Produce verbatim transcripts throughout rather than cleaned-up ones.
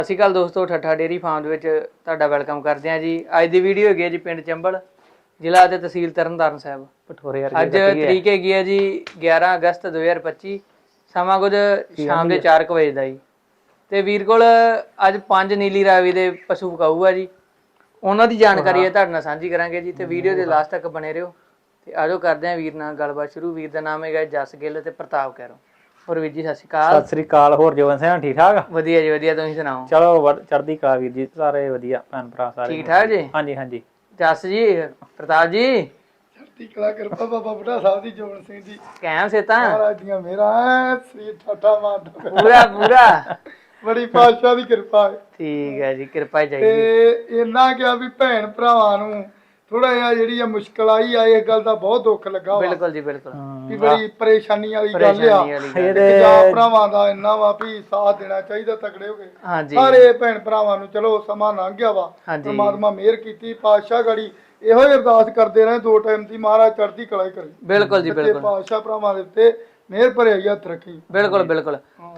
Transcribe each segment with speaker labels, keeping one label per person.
Speaker 1: ਸਤਿ ਸ਼੍ਰੀ ਅਕਾਲ ਦੋਸਤੋ, ਠੱਠਾ dairy farm ਦੇ ਵਿੱਚ ਤੁਹਾਡਾ ਵੈਲਕਮ ਕਰਦੇ ਹਾਂ ਜੀ। ਅੱਜ ਦੀ ਵੀਡੀਓ ਹੈਗੀ ਹੈ ਜੀ ਪਿੰਡ ਚੰਬਲ, ਜ਼ਿਲ੍ਹਾ ਤੇ ਤਹਿਸੀਲ ਤਰਨਤਾਰਨ ਸਾਹਿਬ, ਪਠੋਰੇ। ਅੱਜ ਤਰੀਕ ਹੈਗੀ ਹੈ ਜੀ ਗਿਆਰਾਂ ਅਗਸਤ ਦੋ ਹਜ਼ਾਰ ਪੱਚੀ, ਸਮਾਂ ਕੁਝ ਸ਼ਾਮ ਦੇ ਚਾਰ ਕੁ ਵਜੇ ਦਾ ਜੀ। ਤੇ ਵੀਰ ਕੋਲ ਅੱਜ ਪੰਜ ਨੀਲੀ ਰਾਵੀ ਦੇ ਪਸ਼ੂ ਵਿਕਾਊ ਆ ਜੀ, ਉਹਨਾਂ ਦੀ ਜਾਣਕਾਰੀ ਹੈ ਤੁਹਾਡੇ ਨਾਲ ਸਾਂਝੀ ਕਰਾਂਗੇ ਜੀ। ਤੇ ਵੀਡੀਓ ਦੇ ਲਾਸਟ ਤੱਕ ਬਣੇ ਰਹੋ ਤੇ ਆਜੋ ਕਰਦੇ ਹਾਂ ਵੀਰ ਨਾਲ ਗੱਲਬਾਤ ਸ਼ੁਰੂ। ਵੀਰ ਦਾ ਨਾਮ ਹੈਗਾ ਜਸ ਗਿੱਲ ਤੇ ਪ੍ਰਤਾਪ ਕੈਰੋਂ। ਹੋਰ ਵੀਰ ਜੀ ਸਤਿ ਸ਼੍ਰੀ ਅਕਾਲ।
Speaker 2: ਸਤਿ ਸ਼੍ਰੀ ਅਕਾਲ। ਹੋਰ ਜੋਬਨ ਸਿੰਘ ਠੀਕ ਠਾਕ?
Speaker 1: ਵਧੀਆ ਜੀ ਵਧੀਆ, ਤੁਸੀਂ ਸੁਣਾਓ?
Speaker 2: ਚਲੋ ਚੜ੍ਹਦੀ ਕਲਾ ਵੀਰ ਜੀ, ਸਾਰੇ ਵਧੀਆ ਭੈਣ ਭਰਾ ਸਾਰੇ
Speaker 1: ਠੀਕ ਠਾਕ ਜੀ?
Speaker 2: ਹਾਂਜੀ ਹਾਂਜੀ।
Speaker 1: ਜਸ ਜੀ, ਪ੍ਰਤਾਪ ਜੀ,
Speaker 3: ਚੜ੍ਹਦੀ ਕਲਾ ਕਿਰਪਾ ਬਾਬਾ ਬੁੱਢਾ ਸਾਹਿਬ ਦੀ, ਜੋਬਨ ਸਿੰਘ ਜੀ
Speaker 1: ਕਾਇਮ ਸੇਤਾ
Speaker 3: ਮਹਾਰਾਜ ਦੀਆਂ ਮੇਰਾ ਸ੍ਰੀ ਠਾਠਾ ਮਾਰਦਾ
Speaker 1: ਪੂਰਾ ਪੂਰਾ
Speaker 3: ਬੜੀ ਪਾਤਸ਼ਾਹ ਦੀ ਕਿਰਪਾ ਹੈ।
Speaker 1: ਠੀਕ ਹੈ ਜੀ, ਕਿਰਪਾ ਚਾਹੀਦੀ।
Speaker 3: ਤੇ ਇੰਨਾ ਕਿਹਾ ਵੀ ਭੈਣ ਭਰਾਵਾਂ ਨੂੰ ਥੋੜਾ ਜਿਹਾ ਜਿਹੜੀ ਆ ਮੁਸ਼ਕਲ ਆਈ ਆ, ਇਸ ਗੱਲ ਦਾ ਬਹੁਤ ਦੁੱਖ ਲੱਗਾ ਵਾ।
Speaker 1: ਬਿਲਕੁਲ ਜੀ ਬਿਲਕੁਲ,
Speaker 3: ਵੀ ਬੜੀ ਪਰੇਸ਼ਾਨੀ ਵਾਲੀ ਗੱਲ ਆ।
Speaker 1: ਪਰੇਸ਼ਾਨੀ ਵਾਲੀ ਗੱਲ।
Speaker 3: ਪੰਜਾਬ ਭਰਾਵਾਂ ਦਾ ਇੰਨਾ ਵਾ ਵੀ ਸਾਥ ਦੇਣਾ ਚਾਹੀਦਾ, ਤਕੜੇ ਹੋ ਗਏ
Speaker 1: ਹਾਂਜੀ
Speaker 3: ਸਾਰੇ ਭੈਣ ਭਰਾਵਾਂ ਨੂੰ। ਚਲੋ ਸਮਾਂ ਲੰਘ ਗਿਆ ਵਾ,
Speaker 1: ਹਾਂਜੀ।
Speaker 3: ਪਰਮਾਤਮਾ ਮਿਹਰ ਕੀਤੀ, ਪਾਤਸ਼ਾਹ ਗੜੀ ਇਹੋ ਹੀ ਅਰਦਾਸ ਕਰਦੇ ਰਹੇ ਦੋ ਟਾਈਮ ਦੀ, ਮਹਾਰਾਜ ਚੜ੍ਹਦੀ ਕਲਾ ਹੀ ਕਰੇ।
Speaker 1: ਬਿਲਕੁਲ ਜੀ ਬਿਲਕੁਲ,
Speaker 3: ਪਾਤਸ਼ਾਹ ਭਰਾਵਾਂ ਦੇ ਉੱਤੇ ਮਿਹਰ ਭਰਿਆ ਹੀ ਹੱਥ ਰੱਖੀ।
Speaker 1: ਬਿਲਕੁਲ ਬਿਲਕੁਲ।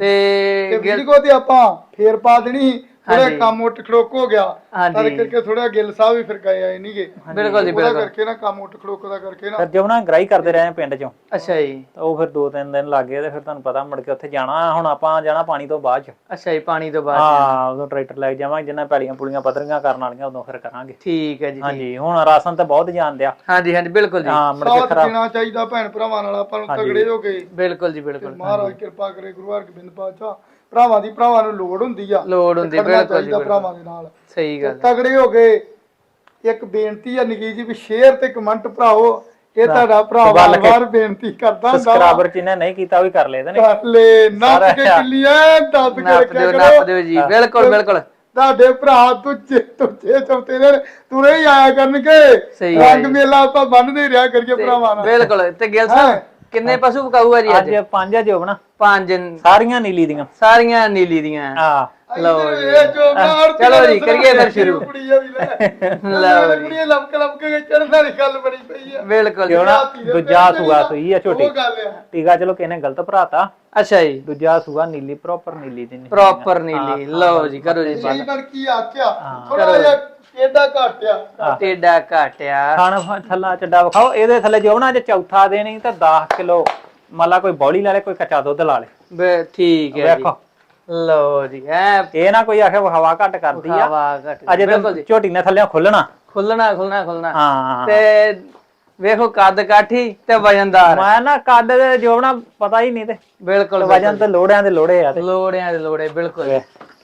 Speaker 1: ਤੇ
Speaker 3: ਵੀਰ ਕੋ ਤੇ ਆਪਾਂ ਫੇਰ ਪਾ ਦੇਣੀ, ਥੋੜਾ ਕੰਮ ਉੱਠ ਖੜੋਕ ਹੋ ਗਿਆ ਤਾਂ ਕਰਕੇ ਥੋੜਾ ਗਿੱਲ ਸਾਹਿਬ ਵੀ ਫਿਰ ਗਏ ਆਏ ਨਹੀਂਗੇ।
Speaker 1: ਬਿਲਕੁਲ ਜੀ ਬਿਲਕੁਲ,
Speaker 3: ਕਰਕੇ ਨਾ ਕੰਮ ਉੱਠ ਖੜੋਕ ਦਾ ਕਰਕੇ ਨਾ
Speaker 2: ਫਿਰ ਜਮਨਾ ਗ੍ਰਾਈ ਕਰਦੇ ਰਹੇ ਪਿੰਡ ਚੋਂ।
Speaker 1: ਅੱਛਾ ਜੀ।
Speaker 2: ਉਹ ਫਿਰ ਦੋ ਤਿੰਨ ਦਿਨ ਲੱਗ ਗਏ ਤੇ ਫਿਰ ਤੁਹਾਨੂੰ ਪਤਾ ਮੁੜ ਕੇ ਉੱਥੇ ਜਾਣਾ। ਹੁਣ ਆਪਾਂ ਜਾਣਾ ਪਾਣੀ ਤੋਂ ਬਾਅਦ ਚ।
Speaker 1: ਅੱਛਾ ਜੀ, ਪਾਣੀ ਤੋਂ ਬਾਅਦ।
Speaker 2: ਹਾਂ, ਉਦੋਂ ਟਰੈਕਟਰ ਲੈ ਕੇ ਜਾਵਾਂਗੇ, ਜਿੰਨਾ ਪੈਲੀਆਂ ਪੁਲੀਆਂ ਪੱਧਰੀਆਂ ਕਰਨ ਵਾਲੀਆਂ ਉਦੋਂ ਫਿਰ ਕਰਾਂਗੇ।
Speaker 1: ਠੀਕ ਹੈ ਜੀ।
Speaker 2: ਹਾਂਜੀ, ਹੁਣ ਰਾਸ਼ਨ ਤੇ ਬਹੁਤ ਜਾਣ ਦਿਆ।
Speaker 1: ਹਾਂਜੀ ਹਾਂਜੀ ਬਿਲਕੁਲ ਜੀ।
Speaker 2: ਹਾਂ, ਮੁੜ ਕੇ
Speaker 3: ਸਾਥ
Speaker 2: ਖਰਾਬ
Speaker 3: ਦੇਣਾ ਚਾਹੀਦਾ ਭੈਣ ਭਰਾਵਾਂ ਨਾਲ, ਆਪਾਂ ਨੂੰ ਤਗੜੇ ਹੋ ਗਏ।
Speaker 1: ਬਿਲਕੁਲ ਜੀ ਬਿਲਕੁਲ,
Speaker 3: ਮਹਾਰਾਜ ਕਿਰਪਾ ਕਰੇ, ਗੁਰੂ ਹਰਗੋਬਿੰਦ ਪਾਤਸ਼ਾਹ। ਭਰਾਵਾਂ ਦੀ ਭਰਾਵਾਂ ਨੂੰ ਲੋੜ ਹੁੰਦੀ ਆ,
Speaker 1: ਲੋੜ ਹੁੰਦੀ ਬਿਲਕੁਲ ਜੀ,
Speaker 3: ਭਰਾਵਾਂ ਦੇ ਨਾਲ
Speaker 1: ਸਹੀ ਗੱਲ।
Speaker 3: ਤਗੜੇ ਹੋ ਗਏ। ਇੱਕ ਬੇਨਤੀ ਆ ਨਿੱਕੀ ਜੀ, ਵੀ ਸ਼ੇਅਰ ਤੇ ਕਮੈਂਟ ਭਰਾਓ, ਇਹ ਤੁਹਾਡਾ ਭਰਾ ਵਾਰ-ਵਾਰ ਬੇਨਤੀ ਕਰਦਾ ਹੁੰਦਾ।
Speaker 2: ਸਬਸਕ੍ਰਾਈਬਰ ਜਿਹਨੇ ਨਹੀਂ ਕੀਤਾ ਉਹ ਵੀ ਕਰ ਲੈ।
Speaker 3: ਕਰ ਲੈ, ਨੱਪ ਕੇ ਕਿੱਲੀਆਂ ਦੱਬ ਕੇ ਰੱਖਿਆ ਕਰੋ।
Speaker 1: ਨੱਪ ਦਿਓ ਜੀ, ਬਿਲਕੁਲ ਬਿਲਕੁਲ।
Speaker 3: ਤੁਹਾਡੇ ਭਰਾ ਤੁੱਚੇ ਤੁੱਚੇ ਚੌਥੇ ਨੇ ਤੁਰੇ ਹੀ ਆਇਆ ਕਰਨਗੇ। ਰੰਗ ਮੇਲਾ ਆਪਾਂ ਬੰਨਦੇ ਰਿਹਾ ਕਰੀਏ ਭਰਾਵਾਂ ਨਾਲ।
Speaker 1: ਬਿਲਕੁਲ। ਤੇ ਗਿੱਲ ਸਾਹਿਬ ਕਿੰਨੇ ਪਸ਼ੂ ਵਿਕਾਊ ਆ ਜੀ ਅੱਜ?
Speaker 2: ਅੱਜ ਪੰਜ ਆ ਜੋਬਨਾ।
Speaker 1: ਪੰਜ,
Speaker 2: ਸਾਰੀਆਂ ਨੀਲੀ ਦੀਆਂ।
Speaker 1: ਸਾਰੀਆਂ ਨੀਲੀ ਦੀਆਂ।
Speaker 2: ਹਾਂ
Speaker 1: ਲਓ ਜੀ,
Speaker 3: ਚਲੋ
Speaker 1: ਜੀ ਕਰੀਏ ਫਿਰ ਸ਼ੁਰੂ।
Speaker 3: ਲਓ ਜੀ, ਲਮਕ ਲਮਕ ਕੇ ਚੜਨ ਵਾਲੀ ਗੱਲ ਬਣੀ ਪਈ ਆ।
Speaker 1: ਬਿਲਕੁਲ।
Speaker 2: ਦੂਜਾ ਸੂਆ ਸੂਈ ਆ ਛੋਟੀ।
Speaker 3: ਉਹ ਗੱਲ ਆ।
Speaker 2: ਟੀਕਾ ਚਲੋ ਕਿਹਨੇ ਗਲਤ ਭਰਾਤਾ।
Speaker 1: ਅੱਛਾ ਜੀ।
Speaker 2: ਦੂਜਾ ਸੂਆ ਨੀਲੀ, ਪ੍ਰੋਪਰ ਨੀਲੀ ਦੀ।
Speaker 1: ਪ੍ਰੋਪਰ ਨੀਲੀ। ਲਓ ਜੀ, ਕਰੋ ਜੀ।
Speaker 3: ਸਹੀ ਬਣ ਕੀ ਆਖਿਆ, ਥੋੜਾ ਜਿਹਾ ਟੇਡਾ ਘਟਿਆ।
Speaker 1: ਟੇਡਾ ਘਟਿਆ।
Speaker 2: ਖਾਣ ਥੱਲਾ ਚੱਡਾ ਵਿਖਾਓ। ਇਹਦੇ ਥੱਲੇ ਜੋ ਨਾ ਜੇ ਚੌਥਾ ਦੇ ਨਹੀਂ ਤਾਂ ਦਸ ਕਿਲੋ ਮੰਨ ਲਾ ਕੋਈ ਬੌਲੀ ਲਾ ਲੇ, ਕੋਈ ਕੱਚਾ ਦੁੱਧ ਲਾ ਲੇ। ਠੀਕ ਹੈ ਜੀ। ਲਓ ਜੀ, ਐ ਇਹ ਨਾ ਕੋਈ ਆਖੇ ਹਵਾ ਘੱਟ ਕਰਦੀ ਆ।
Speaker 1: ਹਵਾ ਘੱਟ
Speaker 2: ਅਜੇ ਤਾਂ ਝੋਟੀ ਨੇ ਥੱਲੇ ਖੁੱਲਣਾ
Speaker 1: ਖੁੱਲਣਾ ਖੁੱਲਣਾ ਖੁੱਲਣਾ।
Speaker 2: ਹਾਂ,
Speaker 1: ਤੇ ਵੇਖੋ ਕੱਦ ਕਾਠੀ ਤੇ ਵਜਨਦਾਰ।
Speaker 2: ਮੈਂ ਨਾ ਕੱਦ ਜੋ ਨਾ ਪਤਾ ਹੀ ਨਹੀਂ। ਤੇ
Speaker 1: ਬਿਲਕੁਲ
Speaker 2: ਵਜਨ ਤੇ ਲੋੜਿਆਂ ਦੇ ਲੋੜੇ ਆ। ਤੇ
Speaker 1: ਲੋੜਿਆਂ ਦੇ ਲੋੜੇ। ਬਿਲਕੁਲ।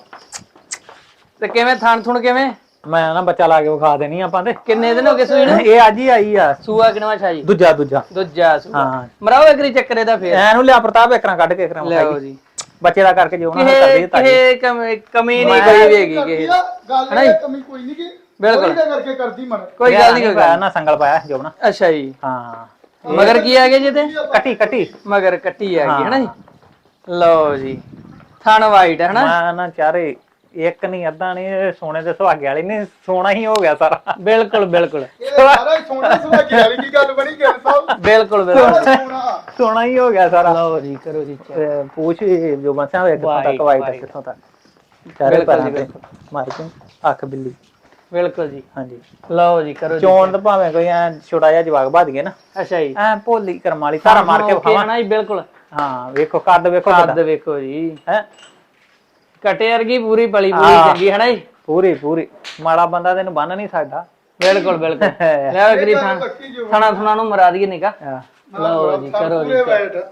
Speaker 1: ਤੇ ਕਿਵੇਂ ਥਣ ਥੁਣ ਕਿਵੇਂ?
Speaker 2: ਮੈਂ ਨਾ ਬੱਚਾ ਲਾ ਕੇ ਵਿਖਾ ਦੇਣੀ ਆਪਾਂ। ਤੇ
Speaker 1: ਕਿੰਨੇ ਦਿਨ ਹੋ ਗਏ ਸੂਈ ਨੂੰ?
Speaker 2: ਇਹ ਅੱਜ ਹੀ ਆਈ ਆ।
Speaker 1: ਸੂਆ ਕਿਨਵਾ ਛਾ ਜੀ?
Speaker 2: ਦੂਜਾ ਦੂਜਾ
Speaker 1: ਦੂਜਾ ਸੂਆ।
Speaker 2: ਹਾਂ,
Speaker 1: ਮਰਾਓ ਇਕਰੀ ਚੱਕਰੇ ਦਾ ਫੇਰ
Speaker 2: ਐਨੂੰ ਲਿਆ ਪ੍ਰਤਾਪ ਇਕਰਾਂ ਕੱਢ ਕੇ ਇਕਰਾਂ
Speaker 1: ਲਿਆਓ ਜੀ।
Speaker 2: ਬੱਚੇ ਦਾ ਕਰਕੇ ਜੋ ਨਾ ਕਰ ਦੇ ਤਾਂ
Speaker 1: ਇਹ ਕਮੀ ਨਹੀਂ ਕੋਈ ਵੀ ਹੈਗੀ ਕਿਸੇ
Speaker 3: ਗੱਲ ਇਹ ਕਮੀ ਕੋਈ ਨਹੀਂ ਕੀ।
Speaker 1: ਬਿਲਕੁਲ
Speaker 3: ਕਰਕੇ ਕਰਦੀ ਮਨ
Speaker 1: ਕੋਈ ਗੱਲ ਨਹੀਂ।
Speaker 2: ਪਾਇਆ ਨਾ ਸੰਗਲ ਪਾਇਆ ਜੋ ਨਾ।
Speaker 1: ਅੱਛਾ ਜੀ।
Speaker 2: ਹਾਂ,
Speaker 1: ਮਗਰ ਕੀ ਆ ਗਿਆ ਜੀ? ਤੇ
Speaker 2: ਕੱਟੀ ਕੱਟੀ
Speaker 1: ਮਗਰ ਕੱਟੀ ਆ ਗਈ ਹੈ ਨਾ ਜੀ। ਲਓ ਜੀ, ਥਣ ਵਾਈਟ ਹੈ ਨਾ।
Speaker 2: ਮੈਂ ਨਾ ਚਾਰੇ ਇੱਕ ਨਹੀਂ ਅੱਧਾ ਨਹੀਂ, ਸੋਨੇ ਦੇ ਸੁਹਾਗੇ ਵਾਲੀ ਨੇ ਸੋਨਾ ਹੀ ਹੋ ਗਿਆ ਸਾਰਾ।
Speaker 1: ਬਿਲਕੁਲ ਬਿਲਕੁਲ।
Speaker 3: ਸਾਰਾ ਸੋਨਾ ਸੁਹਾਗੇ ਵਾਲੀ ਕੀ ਗੱਲ ਬਣੀ ਗਿੱਲ ਸਾਹਿਬ?
Speaker 1: ਬਿਲਕੁਲ ਬਿਲਕੁਲ,
Speaker 2: ਸੋਨਾ ਹੀ ਹੋ ਗਿਆ ਸਾਰਾ।
Speaker 1: ਲਓ ਜੀ, ਕਰੋ ਜੀ।
Speaker 2: ਪੂਛ ਜੋ ਬੰਸਿਆ ਹੋਇਆ ਕਿੱਥੋਂ ਤੱਕ ਵਾਈਟ ਕਿੱਥੋਂ ਤੱਕ ਚਾਰੇ ਪੈਰਾਂ ਤੇ ਮਾਰ ਕੇ ਅੱਖ ਬਿੱਲੀ। ਬਿਲਕੁਲ ਜੀ। ਹਾਂਜੀ,
Speaker 1: ਲਓ ਜੀ, ਕਰੋ ਜੀ।
Speaker 2: ਚੋਣ ਤਾਂ ਭਾਵੇਂ ਕੋਈ ਐ ਛੋਟਾ ਜਿਹਾ ਜਵਾਗ ਭੱਜ ਗਏ ਨਾ।
Speaker 1: ਅੱਛਾ ਜੀ।
Speaker 2: ਐ ਭੋਲੀ ਕਰਮ ਵਾਲੀ ਸਾਰਾ ਮਾਰ ਕੇ ਵਿਖਾਵਾਂ
Speaker 1: ਨਾ ਜੀ। ਬਿਲਕੁਲ।
Speaker 2: ਹਾਂ, ਵੇਖੋ ਕੱਦ ਵੇਖੋ।
Speaker 1: ਕੱਦ ਵੇਖੋ ਜੀ, ਹੈ ਕਟੇ ਵਰਗੀ ਪੂਰੀ ਪਲੀ ਪੂਰੀ ਚੰਗੀ ਹੈ ਨਾ ਜੀ। ਪੂਰੀ ਪੂਰੀ
Speaker 2: ਮਾੜਾ ਬੰਦਾ ਤੈਨੂੰ ਬੰਨ ਨਹੀਂ ਸਕਦਾ।
Speaker 1: ਬਿਲਕੁਲ ਬਿਲਕੁਲ। ਲੈ ਅਗਰੀ ਥਾਂ ਥਣਾ ਥਣਾ ਨੂੰ ਮਰਾ ਦਈਏ ਨਿਕਾ। ਲਓ ਜੀ, ਕਰੋ ਜੀ।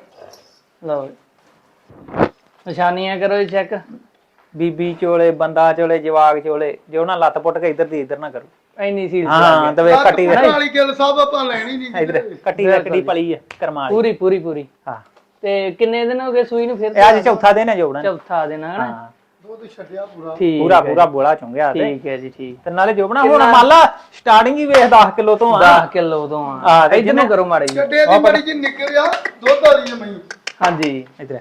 Speaker 1: ਲਓ ਨਿਸ਼ਾਨੀਆਂ ਕਰੋ ਜੀ ਚੈੱਕ।
Speaker 2: ਬੀਬੀ ਚੋਲੇ, ਬੰਦਾ ਚੋਲੇ, ਜਵਾਗ ਚੋਲੇ, ਜੋ ਨਾ ਲੱਤ ਪੁੱਟ ਕੇ ਇੱਧਰ ਦੀ ਇੱਧਰ ਨਾ ਕਰੋ।
Speaker 1: ਇੰਨੀ ਸੀਲ
Speaker 2: ਹਾਂ, ਤੇ ਵੇਖ ਕੱਟੀ
Speaker 3: ਵਾਲੀ ਗਿੱਲ ਸਾਹਿਬ ਆਪਾਂ ਲੈਣੀ ਨਹੀਂ।
Speaker 2: ਇੱਧਰ ਕੱਟੀ ਕੱਟੀ ਪਲੀ ਹੈ ਕਰਮਾਲੀ
Speaker 1: ਪੂਰੀ ਪੂਰੀ ਪੂਰੀ।
Speaker 2: ਹਾਂ।
Speaker 1: ਤੇ ਕਿੰਨੇ ਦਿਨ ਹੋ ਗਏ ਸੂਈ ਨੂੰ? ਫਿਰ
Speaker 2: ਇਹ ਅੱਜ ਚੌਥਾ ਦਿਨ ਹੈ ਜੋਬਣਾ।
Speaker 1: ਚੌਥਾ ਦਿਨ ਹੈ ਨਾ।
Speaker 3: ਦੁੱਧ ਛੱਡਿਆ ਪੂਰਾ
Speaker 1: ਪੂਰਾ
Speaker 2: ਪੂਰਾ ਬੋਲਾ ਚੁੰਗਿਆ।
Speaker 1: ਠੀਕ ਹੈ ਜੀ, ਠੀਕ।
Speaker 2: ਤੇ ਨਾਲੇ ਜੋਬਣਾ ਹੁਣ ਮੰਨ ਲਾ ਸਟਾਰਟਿੰਗ ਹੀ ਵੇਖ ਦਸ ਕਿਲੋ ਤੋਂ ਆ।
Speaker 1: ਦਸ ਕਿਲੋ ਤੋਂ ਆ। ਇੱਧਰ ਨੂੰ ਕਰੋ ਮਾੜੀ ਜੀ।
Speaker 3: ਛੱਡੇ ਦੀ ਮਾੜੀ ਜੀ ਨਿਕਲਿਆ ਦੁੱਧ ਵਾਲੀ ਜਮਈ।
Speaker 1: ਹਾਂਜੀ,
Speaker 2: ਇੱਧਰ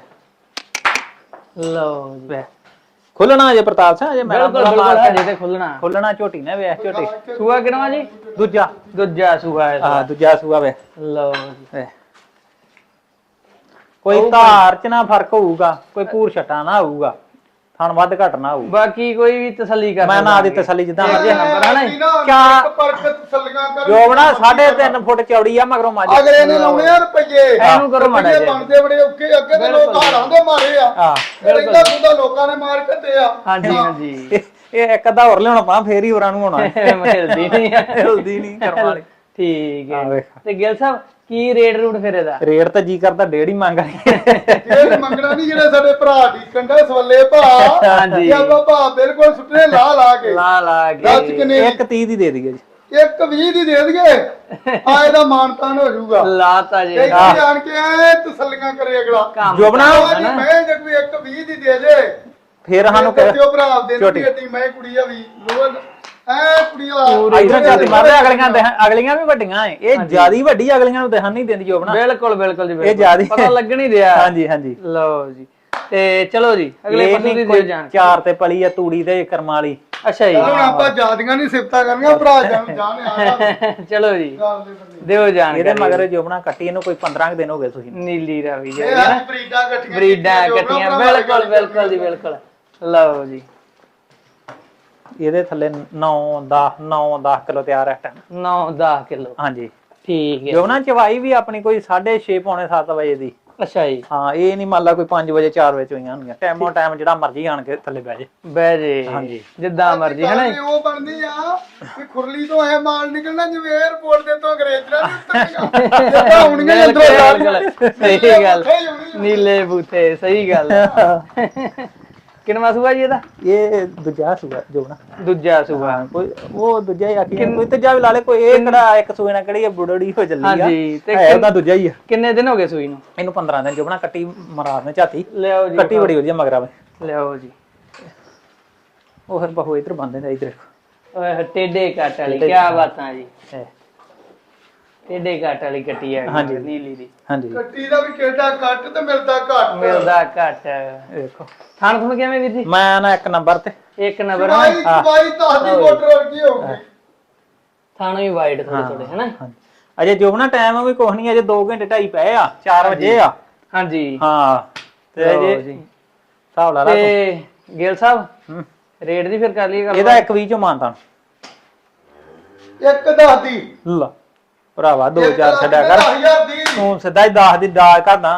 Speaker 1: ਲਓ ਜੀ।
Speaker 2: ਖੁੱਲਣਾ ਜੇ ਪ੍ਰਤਾਪ ਸਿੰਘ, ਜੇ ਮੈਂ
Speaker 1: ਬਿਲਕੁਲ ਤੇ ਖੁੱਲਣਾ
Speaker 2: ਖੁੱਲਣਾ। ਝੋਟੀ ਨੇ ਵੇਖ ਝੋਟੀ।
Speaker 1: ਸੂਆ ਕਿਨਵਾ ਜੀ?
Speaker 2: ਦੂਜਾ
Speaker 1: ਦੂਜਾ ਸੂਆ ਹੈ।
Speaker 2: ਹਾਂ, ਦੂਜਾ ਸੂਆ ਵੇ।
Speaker 1: ਲਓ ਜੀ।
Speaker 2: ਕੋਈ ਧਾਰ ਚ ਨਾ ਫਰਕ ਹੋਊਗਾ, ਕੋਈ ਪੂਰ ਛਟਾ ਨਾ ਹੋਊਗਾ। ਥਣ ਵੱਧ ਘਟ ਨਾ ਹੋਊ।
Speaker 1: ਬਾਕੀ ਕੋਈ ਵੀ ਤਸੱਲੀ ਕਰ
Speaker 2: ਮੈਂ ਨਾ ਦੀ ਤਸੱਲੀ ਜਿੱਦਾਂ ਮਰਜ਼ੀ
Speaker 3: ਨੰਬਰ ਹੈ ਨਾ
Speaker 2: ਕਿਆ
Speaker 3: ਪਰਖ ਤਸੱਲੀਆਂ ਕਰ
Speaker 2: ਜੋਬਣਾ ਸਾਢੇ ਤਿੰਨ ਫੁੱਟ ਚੌੜੀ ਆ ਮਗਰੋਂ ਮੱਝ
Speaker 3: ਅਗਲੇ ਨੇ ਲਾਉਣੇ ਆ ਰੁਪਏ
Speaker 1: ਇਹਨੂੰ ਕਰੋ ਮਾੜਾ
Speaker 3: ਰੁਪਈਏ ਬਣਦੇ ਬੜੇ ਔਖੇ ਅੱਗੇ ਤੇ ਲੋਕ ਹਾਰਾਂ ਦੇ ਮਾਰੇ ਆ
Speaker 2: ਹਾਂ
Speaker 3: ਇਹਦਾ ਗੁੱਦਾ ਲੋਕਾਂ ਨੇ ਮਾਰ ਕੱਟੇ ਆ
Speaker 1: ਹਾਂਜੀ ਹਾਂਜੀ
Speaker 2: ਇਹ ਇਹ ਇੱਕ ਅੱਧਾ ਹੋਰ ਲਿਆਉਣਾ ਪਾ ਫੇਰ ਹੀ ਹੋਰਾਂ ਨੂੰ ਹੋਣਾ
Speaker 1: ਮਿਲਦੀ ਨਹੀਂ
Speaker 2: ਹਿਲਦੀ ਨਹੀਂ ਕਰਮ ਵਾਲੀ।
Speaker 1: ਠੀਕ
Speaker 2: ਆ
Speaker 1: ਹੈ
Speaker 2: ਵੇਖ
Speaker 1: ਤੇ ਗਿਲ ਸਾਹਿਬ ਕੀ ਰੇਟ ਰੂਟ ਫਿਰ ਇਹਦਾ?
Speaker 2: ਰੇਟ ਤਾਂ ਜੀ ਕਰਦਾ ਡੇਢ ਹੀ ਮੰਗ ਰਹੀ
Speaker 3: ਇਹ ਮੰਗਣਾ ਨਹੀਂ ਜਿਹੜੇ ਸਾਡੇ ਭਰਾ ਦੀ ਕੰਡਾ ਸਵੱਲੇ ਭਾ
Speaker 1: ਹਾਂਜੀ।
Speaker 3: ਇਹ ਆਪਾਂ ਭਾ ਬਿਲਕੁਲ ਸੁੱਟੇ ਲਾ ਲਾ ਕੇ
Speaker 1: ਲਾ ਲਾ
Speaker 3: ਦੱਸ
Speaker 1: ਕੇ
Speaker 3: ਕਿੰਨੇ
Speaker 2: ਇੱਕ ਤੀਹ ਦੀ ਦੇ ਦਈਏ ਜੀ।
Speaker 3: ਇੱਕ ਵੀਹ ਦੀ ਦੇ ਦਈਏ ਆ ਇਹਦਾ ਮਾਨਤਾਨ ਹੋ ਜਾਊਗਾ
Speaker 1: ਲਾਤਾ ਜੀ
Speaker 3: ਇੱਥੇ ਆਣ ਕੇ ਐ ਤਸੱਲੀਆਂ ਕਰੇ ਅਗਲਾ
Speaker 2: ਜੋਬਣਾ
Speaker 3: ਜੀ ਮੈਂ ਜੇ ਕੋਈ ਇੱਕ ਵੀਹ ਦੀ ਦੇ ਦੇ
Speaker 2: ਫੇਰ ਸਾਨੂੰ
Speaker 3: ਕਿਉਂ ਭਰਾ ਦੇ ਨੂੰ ਏਡੀ ਮੈਂ ਕੁੜੀ ਆ ਵੀ ਲੋਨ ਐ ਕੁੜੀ ਆ
Speaker 2: ਇਧਰ ਝਾਤੀ ਮਾਰਦੇ ਅਗਲੀਆਂ ਦੇ ਅਗਲੀਆਂ ਵੀ ਵੱਡੀਆਂ ਏ ਇਹ ਜਿਆਦੀ ਵੱਡੀ ਅਗਲੀਆਂ ਨੂੰ ਦੇਹਨ ਨਹੀਂ ਦਿੰਦੀ ਜੋਬਣਾ।
Speaker 1: ਬਿਲਕੁਲ ਬਿਲਕੁਲ ਜੀ
Speaker 2: ਇਹ
Speaker 1: ਬਿਲਕੁਲ
Speaker 2: ਜਿਆਦੀ
Speaker 1: ਪਤਾ ਲੱਗਣ ਹੀ ਰਿਹਾ।
Speaker 2: ਹਾਂਜੀ ਹਾਂਜੀ
Speaker 1: ਲਓ ਜੀ ਤੇ ਚਲੋ ਜੀ ਅਗਲੇ ਪਸ਼ੂ ਦੀ ਦਿਓ ਜਾਣ।
Speaker 2: ਚਾਰ ਤੇ ਪਲੀ ਆ ਤੂੜੀ ਤੇ ਕਰਮ ਵਾਲੀ।
Speaker 1: ਅੱਛਾ ਜੀ
Speaker 3: ਹੁਣ ਆਪਾਂ ਜਿਆਦੀਆਂ ਨਹੀਂ ਸਿਫਤਾਂ ਕਰਨੀਆਂ ਭਰਾ ਜਾਨ ਜਾਣ ਆ
Speaker 1: ਚਲੋ ਜੀ
Speaker 3: ਗੱਲ ਦੇ ਬੰਦੇ
Speaker 1: ਦਿਓ ਜਾਣ।
Speaker 2: ਇਹਦੇ ਮਗਰ ਜੋਬਣਾ ਕੱਟੀ ਇਹਨੂੰ ਕੋਈ ਪੰਦਰਾਂ ਕੁ ਦਿਨ ਹੋ ਗਏ ਤੁਸੀਂ
Speaker 1: ਨੀਲੀ ਰਾਵੀ ਜੀ
Speaker 3: ਇਹ ਆ ਬਰੀਡਾਂ ਕੱਟੀਆਂ
Speaker 1: ਬਰੀਡਾਂ ਕੱਟੀਆਂ ਬਿਲਕੁਲ ਬਿਲਕੁਲ ਜੀ ਬਿਲਕੁਲ। ਲਓ ਜੀ
Speaker 2: ਇਹਦੇ ਥੱਲੇ ਨੌ ਦਸ ਨੌ ਦਸ ਕਿਲੋ ਤਿਆਰ ਹੈ ਟਾਈਮ
Speaker 1: ਨੌ ਦਸ ਕਿਲੋ।
Speaker 2: ਹਾਂਜੀ
Speaker 1: ਠੀਕ ਹੈ
Speaker 2: ਜੋਬਣਾ ਚਵਾਈ ਵੀ ਆਪਣੀ ਕੋਈ ਸਾਢੇ ਛੇ ਪੌਣੇ ਸੱਤ ਵਜੇ ਦੀ।
Speaker 1: ਅੱਛਾ ਜੀ
Speaker 2: ਹਾਂ ਇਹ ਨਹੀਂ ਮੰਨ ਲਾ ਕੋਈ ਪੰਜ ਵਜੇ ਚਾਰ ਵਜੇ ਚੋਈਆਂ ਹੁੰਦੀਆਂ ਟਾਈਮੋ ਟਾਈਮ ਜਿਹੜਾ ਮਰਜ਼ੀ ਆਣ ਕੇ ਥੱਲੇ ਬਹਿ ਜੇ
Speaker 1: ਬਹਿ ਜੇ
Speaker 2: ਹਾਂਜੀ
Speaker 1: ਜਿੱਦਾਂ ਮਰਜ਼ੀ ਹੈ ਨਾ ਜੀ।
Speaker 3: ਉਹ ਬਣਦੀ ਆ ਕਿ ਖੁਰਲੀ ਤੋਂ ਐ ਮਾਲ ਨਿਕਲਣਾ ਜਿਵੇਂ 에어ਪੋਰਟ ਦੇ ਤੋਂ ਅੰਗਰੇਜ਼ਾਂ ਨੇ ਉੱਤਰੇਗਾ ਜਿੱਦਾਂ ਹੁਣੀਆਂ ਅੰਦਰੋਂ
Speaker 1: ਬਿਲਕੁਲ ਸਹੀ ਗੱਲ ਨੀਲੇ ਬੂਥੇ ਸਹੀ ਗੱਲ। ਕਿੰਨਾ ਸੂਆ ਜੀ ਇਹਦਾ?
Speaker 2: ਇਹ ਦੂਜਾ ਸੂਆ ਜੋਬਣਾ
Speaker 1: ਦੂਜਾ ਸੂਆ।
Speaker 2: ਕੋਈ ਉਹ ਦੂਜਾ ਹੀ ਆਖੀ ਕੋਈ ਤੀਜਾ ਵੀ ਲਾ ਲੇ ਕੋਈ ਇਹ ਕਿਹੜਾ ਇੱਕ ਸੂਏ ਨਾਲ ਕਿਹੜੀ ਆ ਬੁੜੜੀ ਹੋ ਚੱਲੀ ਆ।
Speaker 1: ਹਾਂਜੀ ਤੇ
Speaker 2: ਹੈ ਉਹਦਾ ਦੂਜਾ ਹੀ ਆ।
Speaker 1: ਕਿੰਨੇ ਦਿਨ ਹੋ ਗਏ ਸੂਈ ਨੂੰ?
Speaker 2: ਇਹਨੂੰ ਪੰਦਰਾਂ ਦਿਨ ਜੋਬਣਾ ਕੱਟੀ ਮਰਾਦ ਨੇ ਝਾਤੀ
Speaker 1: ਲਿਆਓ ਜੀ
Speaker 2: ਕੱਟੀ ਬੜੀ ਵਧੀਆ ਮਗਰਾ ਵੇ।
Speaker 1: ਲਿਆਓ ਜੀ
Speaker 2: ਉਹ ਫਿਰ ਬਹੁ ਇਧਰ ਬੰਦੇ ਨੇ ਇਧਰ
Speaker 1: ਓਏ ਟੇਡੇ ਕੱਟ ਵਾਲੀ ਕੀ ਬਾਤਾਂ ਜੀ। ਟੇਡੇ ਕੱਟ ਵਾਲੀ ਕੱਟੀ ਹੈ ਨੀਲੀ ਦੀ।
Speaker 2: ਹਾਂਜੀ
Speaker 3: ਕੱਟੀ ਦਾ ਵੀ ਕਿਹੜਾ ਕੱਟ ਤੇ ਮਿਲਦਾ ਘੱਟ
Speaker 1: ਮਿਲਦਾ ਘੱਟ।
Speaker 2: ਦੇਖੋ
Speaker 1: ਥਾਣ ਤੁਹਾਨੂੰ ਕਿਵੇਂ ਵੀਰ ਜੀ?
Speaker 2: ਮੈਂ ਨਾ ਇੱਕ ਨੰਬਰ ਤੇ
Speaker 1: ਇੱਕ ਨੰਬਰ
Speaker 3: ਬਾਈ ਬਾਈ ਦਸ ਦੀ ਮੋਟਰ ਵਰਗੀ ਹੋਊਗੀ
Speaker 1: ਥਾਣੋਂ ਵੀ ਵਾਈਡ ਥੋੜੇ ਥੋੜੇ ਹੈ ਨਾ।
Speaker 2: ਅਜੇ ਜੋਬਣਾ ਟਾਈਮ ਵੀ ਕੁਛ ਨਹੀਂ ਅਜੇ ਦੋ ਘੰਟੇ ਢਾਈ ਪਏ ਆ ਚਾਰ ਵਜੇ ਆ।
Speaker 1: ਹਾਂਜੀ
Speaker 2: ਹਾਂ ਤੇ ਅਜੇ ਹਿਸਾਬ ਲਾ ਲਾ
Speaker 1: ਤੇ ਗਿਲ ਸਾਹਿਬ ਰੇਟ ਦੀ ਫਿਰ ਕਰ ਲਈਏ ਗੱਲ।
Speaker 2: ਇਹਦਾ ਇੱਕ ਵੀਹ ਚੋਂ ਮਾਨਤਾ
Speaker 3: ਇੱਕ ਦਸ ਦੀ
Speaker 2: ਲਾ ਭਰਾਵਾ ਦੋ ਚਾਰ ਛੱਡਿਆ ਕਰ
Speaker 3: ਦਸ ਹਜ਼ਾਰ ਦੀ
Speaker 2: ਤੂੰ ਸਿੱਧਾ ਹੀ ਦਸ ਦੀ ਦਾਲ ਕਰਦਾ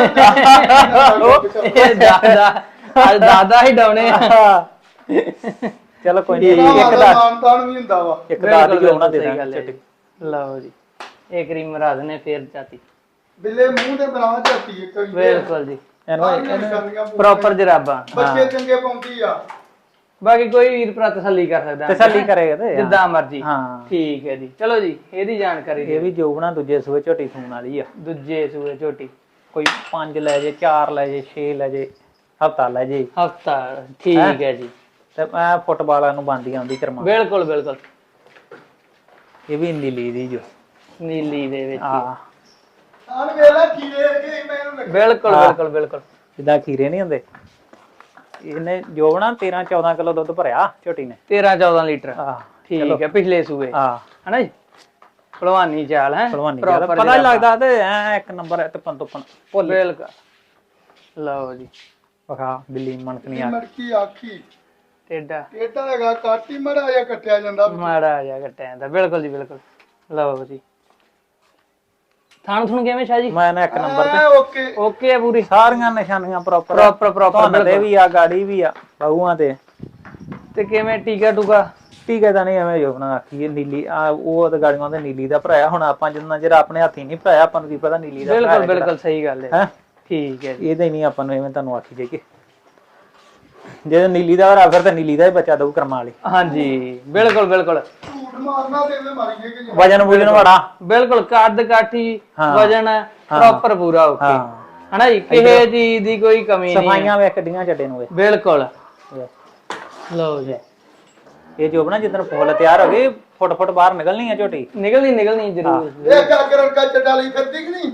Speaker 1: ਇਹ ਦਾਦਾ ਅੱਜ ਦਾਦਾ ਹੀ ਡਾਉਣੇ ਆ।
Speaker 2: ਚਲੋ ਕੋਈ ਨਹੀਂ
Speaker 3: ਇੱਕ
Speaker 2: ਇੱਕ
Speaker 3: ਦਾ
Speaker 2: ਦਸ
Speaker 3: ਮਾਨਤਾਨ ਵੀ ਹੁੰਦਾ ਵਾ
Speaker 2: ਇੱਕ ਦਸ ਦੀ ਹੋਣਾ ਦੇ ਦਾਂਗੇ।
Speaker 1: ਲਓ ਜੀ ਇਹ ਕਰੀਮ ਮਰਾ ਦਨੇ ਫੇਰ ਚਾਤੀ
Speaker 3: ਬਿੱਲੇ ਮੂੰਹ ਤੇ ਬਣਾ ਝੱਟੀ ਇੱਕ ਵੀ
Speaker 1: ਬਿਲਕੁਲ ਜੀ
Speaker 3: ਇਹਨੂੰ
Speaker 1: ਪ੍ਰੋਪਰ ਜਰਾਬਾਂ
Speaker 3: ਬੱਚੇ ਚੰਗੇ ਪਾਉਂਦੀ ਆ।
Speaker 1: ਬਾਕੀ ਕੋਈ ਵੀਰ ਭਰਾ ਤਸੱਲੀ ਕਰ ਸਕਦਾ
Speaker 2: ਤਸੱਲੀ ਕਰੇਗਾ ਤੇ
Speaker 1: ਜਿੱਦਾਂ ਮਰਜੀ।
Speaker 2: ਹਾਂ
Speaker 1: ਠੀਕ ਹੈ ਜੀ ਚਲੋ ਜੀ ਇਹਦੀ ਜਾਣਕਾਰੀ
Speaker 2: ਇਹ ਵੀ ਜੋਬਣਾ ਦੂਜੇ ਸੂਏ ਝੋਟੀ ਸੂਣ ਵਾਲੀ ਆ।
Speaker 1: ਦੂਜੇ ਸੂਏ ਝੋਟੀ
Speaker 2: ਕੋਈ ਪੰਜ ਲੈ ਜੇ ਚਾਰ ਲੈ ਜੇ ਛੇ ਲੈ ਜੇ ਹਫਤਾ ਲੈ ਜੇ
Speaker 1: ਹਫਤਾ। ਠੀਕ ਹੈ ਜੀ
Speaker 2: ਤੇ ਮੈਂ ਫੁੱਟਬਾਲਾਂ ਨੂੰ ਬੰਦੀ ਆਉਂਦੀ ਕਰਮਾ।
Speaker 1: ਬਿਲਕੁਲ ਬਿਲਕੁਲ
Speaker 2: ਇਹ ਵੀ ਨੀਲੀ ਦੀ ਜੋ
Speaker 1: ਨੀਲੀ ਦੇ ਵਿੱਚ
Speaker 2: ਹਾਂ
Speaker 3: ਆਣ ਵੇਲਾ ਖੀਰੇ ਵਰਗੇ ਮੈਨੂੰ ਲੱਗੇ
Speaker 1: ਬਿਲਕੁਲ ਬਿਲਕੁਲ ਬਿਲਕੁਲ
Speaker 2: ਜਿੱਦਾਂ ਖੀਰੇ ਨਹੀਂ ਹੁੰਦੇ। ਇਹਨੇ ਜੋਬਣਾ ਤੇਰਾਂ ਚੌਦਾਂ ਕਿਲੋ ਦੁੱਧ ਭਰਿਆ ਝੋਟੀ ਨੇ।
Speaker 1: ਤੇਰਾਂ ਚੌਦਾਂ ਲੀਟਰ।
Speaker 2: ਹਾਂ
Speaker 1: ਠੀਕ ਹੈ ਪਿਛਲੇ ਸੂਏ
Speaker 2: ਹਾਂ
Speaker 1: ਹਨਾ ਜੀ। ਭਲਵਾਨੀ ਚਾਲ ਹੈ
Speaker 2: ਭਲਵਾਨੀ ਚਾਲ ਪਤਾ ਨਹੀਂ ਲੱਗਦਾ ਤੇ ਐ ਇੱਕ ਨੰਬਰ ਹੈ ਤੇ ਪੰਤੋਪਨ ਭੁੱਲ
Speaker 1: ਬਿਲਕੁਲ। ਲਓ ਜੀ
Speaker 2: ਵਖਾ ਬਿੱਲੀ ਮਣਕਣੀ ਆ
Speaker 3: ਮੜਕੀ ਆਖੀ
Speaker 1: ਟੇਡਾ
Speaker 3: ਟੇਡਾ ਹੈਗਾ ਕਾਟੀ ਮੜਾ ਜਾਂ ਕੱਟਿਆ ਜਾਂਦਾ
Speaker 1: ਮਾੜਾ ਜਿਹਾ ਕੱਟਿਆ ਜਾਂਦਾ। ਬਿਲਕੁਲ ਜੀ ਬਿਲਕੁਲ। ਲਓ ਜੀ ਥਾਣ ਥੁਣ ਕਿਵੇਂ ਸ਼ਾਹ ਜੀ?
Speaker 2: ਮੈਂ ਨਾ ਇੱਕ ਨੰਬਰ ਤੇ
Speaker 3: ਓਕੇ
Speaker 1: ਓਕੇ ਆ ਪੂਰੀ
Speaker 2: ਸਾਰੀਆਂ ਨਿਸ਼ਾਨੀਆਂ ਪ੍ਰੋਪਰ
Speaker 1: ਪ੍ਰੋਪਰ ਪ੍ਰੋਪਰ
Speaker 2: ਤੇ ਵੀ ਆ ਗਾੜੀ ਵੀ ਆ ਬਾਹੂਆਂ ਤੇ
Speaker 1: ਤੇ ਕਿਵੇਂ ਟੀਕਾ ਟੂਕਾ?
Speaker 2: ਟੀਕਾ ਤਾਂ ਨਹੀਂ ਐਵੇਂ ਜੋਬਣਾ ਆਖੀਏ ਨੀਲੀ ਆ ਉਹ ਤੇ ਗਾੜੀਆਂ ਦੇ ਨੀਲੀ ਦਾ ਭਰਾਇਆ। ਹੁਣ ਆਪਾਂ ਜਿੰਨਾ ਜਿਹੜਾ ਆਪਣੇ ਹੱਥੀ ਨਹੀਂ ਭਰਾਇਆ ਆਪਾਂ ਨੂੰ ਕੀ ਪਤਾ ਨੀਲੀ ਦਾ
Speaker 1: ਬਿਲਕੁਲ ਬਿਲਕੁਲ ਸਹੀ ਗੱਲ ਹੈ।
Speaker 2: ਹੈ
Speaker 1: ਠੀਕ ਹੈ ਜੀ
Speaker 2: ਇਹਦੇ ਨਹੀਂ ਆਪਾਂ ਨੂੰ ਐਵੇਂ ਤੁਹਾਨੂੰ ਆਖੀ ਜਾਈਏ ਜੇ ਨੀਲੀ ਦਾ ਭਰਾ ਫਿਰ ਤਾਂ ਨੀਲੀ ਦਾ ਹੀ ਬੱਚਾ ਦਊ ਕਰਮਾਂ ਵਾਲੀ।
Speaker 1: ਹਾਂਜੀ ਬਿਲਕੁਲ ਬਿਲਕੁਲ।
Speaker 3: ਝੂਠ ਮਾਰਨਾ ਤੇ ਇਹਦੇ ਮਾਰੀਏ ਕਿ
Speaker 2: ਵਜਨ ਵੁਜਨ ਵੜਾ
Speaker 1: ਬਿਲਕੁਲ ਕੱਦ ਕਾਠੀ ਵਜਨ ਪ੍ਰੋਪਰ ਪੂਰਾ ਓਕੇ ਹਨਾ ਜੀ। ਕਿਸੇ ਚੀਜ਼ ਦੀ ਕੋਈ ਕਮੀ ਨਹੀਂ।
Speaker 2: ਸਫਾਈਆਂ ਵੇਖ ਕਿੱਡੀਆਂ ਚੱਡੇ ਨੂੰ
Speaker 1: ਬਿਲਕੁਲ। ਲਓ ਜੀ
Speaker 2: ਇਹ ਜੋਬਣਾ ਜਿੱਦਣ ਫੁੱਲ ਤਿਆਰ ਹੋ ਗਈ ਫੁੱਟ ਫੁੱਟ ਬਾਹਰ ਨਿਕਲਣੀ ਆ ਝੋਟੀ।
Speaker 1: ਨਿਕਲਣੀ ਨਿਕਲਣੀ ਜ਼ਰੂਰ।
Speaker 3: ਇਹ ਕਾਗਰ ਕਾ ਚੱਡਾ ਲਈ ਫਿਰਦੀ ਕਿ ਨਹੀਂ?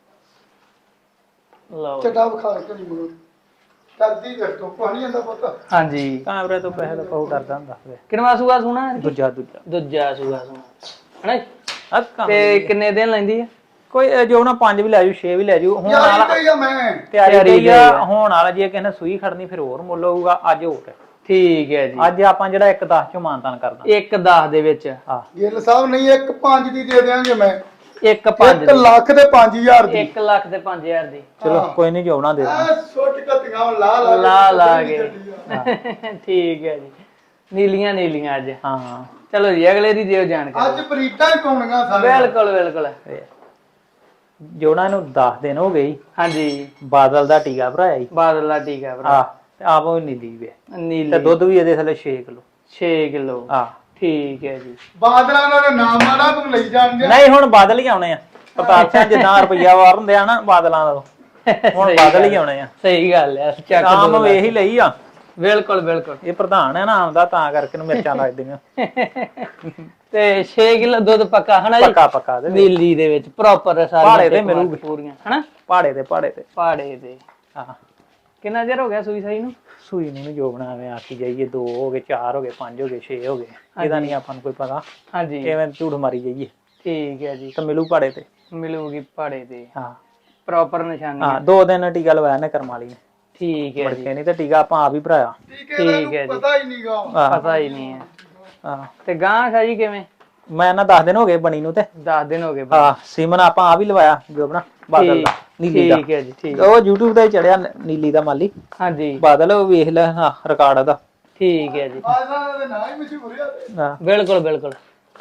Speaker 1: ਲਓ
Speaker 3: ਚੱਡਾ ਵਿਖਾ ਕੇ ਨਹੀਂ ਮਗਰ ਕਰਦੀ ਫਿਰ ਤੋਂ ਪਾਣੀ ਆਂਦਾ ਪਤਾ।
Speaker 1: ਹਾਂਜੀ
Speaker 2: ਕੈਮਰੇ ਤੋਂ ਪੈਸੇ ਦਾ ਬਹੁਤ ਡਰਦਾ ਹੁੰਦਾ
Speaker 1: ਕਿੰਨਵਾ ਸੂਆ ਸੁਣਾ?
Speaker 2: ਦੂਜਾ ਦੂਜਾ
Speaker 1: ਦੂਜਾ ਸੂਆ ਸੁਣਾ ਹਨਾ ਜੀ।
Speaker 2: ਅੱਕਾ
Speaker 1: ਤੇ ਕਿੰਨੇ ਦਿਨ ਲੈਂਦੀ ਹੈ?
Speaker 2: ਕੋਈ ਜੋ ਨਾ ਪੰਜ ਵੀ ਲੈ ਜੂ ਛੇ ਵੀ ਲੈ ਜੂ ਹੁਣ
Speaker 3: ਯਾਰ
Speaker 2: ਵਾਲਾ
Speaker 3: ਕੋਈ ਆ ਮੈਂ
Speaker 2: ਤਿਆਰੀ ਗਈ ਆ ਹੁਣ ਵਾਲਾ ਜੇ ਕਿਸੇ ਨੇ ਸੂਈ ਖੜਨੀ ਫਿਰ ਹੋਰ ਮੁੱਲ ਹੋਊਗਾ ਅੱਜ ਹੋਰ
Speaker 1: ਠੀਕ ਹੈ ਜੀ
Speaker 2: ਅੱਜ ਆਪਾਂ ਜਿਹੜਾ ਇੱਕ ਦਸ ਚੋਂ ਮਾਨਤਾਨ ਕਰਦਾ
Speaker 1: ਇੱਕ ਦਸ ਦੇ ਵਿੱਚ
Speaker 2: ਹਾਂ
Speaker 3: ਗਿੱਲ ਸਾਹਿਬ ਨਹੀਂ ਇੱਕ ਪੰਜ ਦੀ ਦੇ ਦਿਆਂਗੇ ਮੈਂ
Speaker 1: ਇੱਕ ਪੰਜ
Speaker 3: ਇੱਕ ਲੱਖ ਤੇ ਪੰਜ ਹਜ਼ਾਰ ਦੀ
Speaker 1: ਇੱਕ ਲੱਖ ਤੇ ਪੰਜ ਹਜ਼ਾਰ ਦੀ
Speaker 2: ਚਲੋ ਕੋਈ ਨਹੀਂ ਜੋਣਾ ਦੇ
Speaker 3: ਆ ਸੁੱਟ ਕੱਤੀਆਂ ਲਾ ਲਾ
Speaker 1: ਲਾ ਲਾ ਕੇ ਠੀਕ ਹੈ ਜੀ ਨੀਲੀਆਂ ਨੀਲੀਆਂ ਅੱਜ
Speaker 2: ਹਾਂ
Speaker 1: ਚਲੋ ਜੀ ਅਗਲੇ ਦੀ ਦਿਓ ਜਾਣਕਾਰੀ
Speaker 3: ਅੱਜ ਬਰੀਟਾਂ ਹੀ ਪਾਉਣੀਆਂ ਸਾਰੇ
Speaker 1: ਬਿਲਕੁਲ ਬਿਲਕੁਲ
Speaker 2: ਜੋਣਾ ਨੂੰ ਦਸ ਦਿਨ ਹੋ ਗਏ
Speaker 1: ਹਾਂਜੀ
Speaker 2: ਬਾਦਲ ਦਾ ਟੀਕਾ ਭਰਾਇਆ ਜੀ
Speaker 1: ਬਾਦਲ ਦਾ ਟੀਕਾ ਭਰਾ
Speaker 2: ਹਾਂ ਤੇ ਆਪ ਉਹ ਨੀਲੀ ਵੇ
Speaker 1: ਨੀਲੀ
Speaker 2: ਤੇ ਦੁੱਧ ਵੀ ਇਹਦੇ ਥੱਲੇ ਛੇ ਕਿਲੋ
Speaker 1: ਛੇ ਕਿਲੋ
Speaker 2: ਹਾਂ
Speaker 1: ਠੀਕ ਹੈ ਜੀ
Speaker 3: ਬਾਦਲਾਂ ਦਾ ਨਾਮ ਮਾੜਾ ਤੂੰ ਲਈ ਜਾਣਗੇ
Speaker 2: ਨਹੀਂ ਹੁਣ ਬਾਦਲ ਹੀ ਆਉਣੇ ਆ ਪ੍ਰਤਾਪ ਸਿੰਘ ਜਿੱਦਾਂ ਰੁਪਈਆ ਵਾਰ ਹੁੰਦੇ ਆ ਨਾ ਬਾਦਲਾਂ ਦਾ ਹੁਣ ਬਾਦਲ ਹੀ ਆਉਣੇ ਆ
Speaker 1: ਸਹੀ ਗੱਲ ਹੈ ਚੱਕ
Speaker 2: ਆਮ ਵੇਖ ਹੀ ਲਈ ਆ
Speaker 1: ਬਿਲਕੁਲ ਬਿਲਕੁਲ
Speaker 2: ਇਹ ਪ੍ਰਧਾਨ ਹੈ ਨਾ ਆਮਦਾ ਤਾਂ ਕਰਕੇ ਨੂੰ ਮਿਰਚਾਂ ਲੱਗਦੀਆਂ
Speaker 1: ਤੇ ਛੇ ਕਿਲੋ ਦੁੱਧ ਪੱਕਾ ਹਨਾ ਜੀ
Speaker 2: ਪੱਕਾ ਪੱਕਾ ਦੇ
Speaker 1: ਨੀਲੀ ਦੇ ਵਿੱਚ ਪ੍ਰੋਪਰ
Speaker 2: ਪਹਾੜੇ
Speaker 1: ਸਾਰੀਆਂ
Speaker 2: ਤੇ ਮਿਲੂਗੀ
Speaker 1: ਪੂਰੀਆਂ ਹਨਾ
Speaker 2: ਪਹਾੜੇ ਤੇ ਪਹਾੜੇ ਤੇ
Speaker 1: ਪਹਾੜੇ ਤੇ
Speaker 2: ਹਾਂ
Speaker 1: ਕਿੰਨਾ ਚਿਰ ਹੋ ਗਿਆ ਸੂਈ ਸਾਈ ਨੂੰ
Speaker 2: ਸੂਈ ਨੂੰ ਜੋ ਬਣਾਵੇ ਆਖੀ ਜਾਈਏ ਦੋ ਹੋ ਗਏ ਚਾਰ ਹੋ ਗਏ ਪੰਜ ਹੋ ਗਏ ਛੇ ਹੋ ਗਏ ਇਹਦਾ ਨਹੀਂ ਆਪਾਂ ਨੂੰ ਕੋਈ ਪਤਾ
Speaker 1: ਹਾਂਜੀ
Speaker 2: ਐਵੇਂ ਝੂਠ ਮਾਰੀ ਜਾਈਏ
Speaker 1: ਠੀਕ ਹੈ ਜੀ
Speaker 2: ਤਾਂ ਮਿਲੂ ਪਹਾੜੇ ਤੇ
Speaker 1: ਮਿਲੂਗੀ ਪਹਾੜੇ ਤੇ
Speaker 2: ਹਾਂ
Speaker 1: ਪ੍ਰੋਪਰ ਨਿਸ਼ਾਨੀ
Speaker 2: ਹਾਂ ਦੋ ਦਿਨ ਟੀਕਾ ਲਵਾਇਆ ਨੇ ਕਰਮ ਵਾਲੀ ਨੇ
Speaker 1: ਠੀਕ ਹੈ ਜੀ
Speaker 2: ਮੁੜਕੇ ਨਹੀਂ ਤੇ ਟੀਕਾ ਆਪਾਂ ਆਪ ਹੀ ਭਰਾਇਆ
Speaker 3: ਠੀਕ ਹੈ ਜੀ ਪਤਾ ਹੀ ਨਹੀਂਗਾ
Speaker 1: ਪਤਾ ਹੀ ਨਹੀਂ ਹੈ
Speaker 2: ਹਾਂ
Speaker 1: ਤੇ ਗਾਂ ਸ਼ਾ ਜੀ ਕਿਵੇਂ
Speaker 2: ਮੈਂ ਨਾ ਦਸ ਦਿਨ ਹੋ ਗਏ ਬਣੀ ਨੂੰ ਤੇ
Speaker 1: ਦਸ ਦਿਨ ਹੋ ਗਏ
Speaker 2: ਹਾਂ ਸੀਮਨ ਆਪਾਂ ਆਪ ਹੀ ਲਵਾਇਆ ਜੋ ਆਪਣਾ ਬਾਦਲ ਦਾ ਨੀਲੀ ਦਾ
Speaker 1: ਠੀਕ ਹੈ ਜੀ ਠੀਕ
Speaker 2: ਉਹ YouTube ਤੇ ਚੜਿਆ ਨੀਲੀ ਦਾ ਮਾਲੀ
Speaker 1: ਹਾਂਜੀ
Speaker 2: ਬਾਦਲ ਉਹ ਵੇਖ ਲੈ ਹਾਂ ਰਿਕਾਰਡ ਉਹਦਾ
Speaker 1: ਠੀਕ ਹੈ ਜੀ
Speaker 3: ਬਾਦਲਾਂ ਦੇ ਨਾਂ ਹੀ ਮਸ਼ਹੂਰ ਆ
Speaker 2: ਹਾਂ
Speaker 1: ਬਿਲਕੁਲ ਬਿਲਕੁਲ